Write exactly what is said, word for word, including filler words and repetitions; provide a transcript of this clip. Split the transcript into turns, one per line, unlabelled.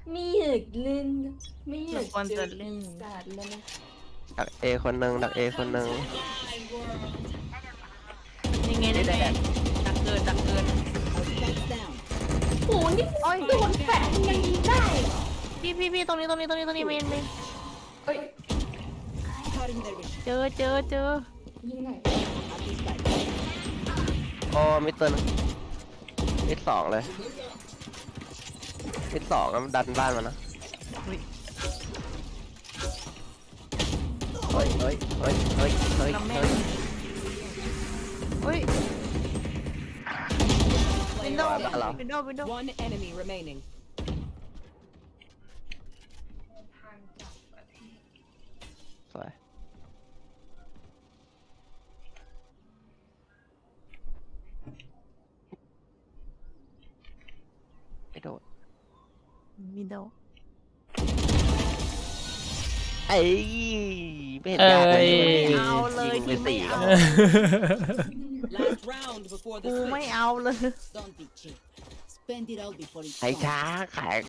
ไม่อยากเล่นไม่อยาก
ควร
เจ
จะ
อ
เล่
ปี
น
ศาจแล้วนะ
ดักเอคนหนึ่งดักเอคนหนึ่ง
ยังไงได้ไงดักเกินดักเกิน
โหนี่โดนแฝงยังยิงได้เหรอ
พี่พี่พี่ตรงนี้ตรงนี้ตรงนี้ตรงนี้เมนเมน
เอ้ย
เจอเจอเจอ
ยิงไหน
โอ้มิดตัวหนึงมิดสองเลยมิดสองแล้วมันดันบ้านมันนะ
อุ้ย
เฮ้ยเฮ้ยเฮ้ยเฮ้ยเฮ้ย
น้ำแม่
เฮ้ย
อุ้ยวินโดว์
บ้านเรา
วินโดว์วินโดว์
One enemy remaining.
สวยไม่โดน
วินโดว์
ไอ้ยไม่เห็นยากเลย
เอ้ย
ไม่เอาเลย
ยิงไป
ที่ไม่
สี่
เอา
Last round before the
กู
switch.
ไม่เอาเลย
Don't be cheap. Spend it all before it's
ไอ้
gone.
ช้าขาย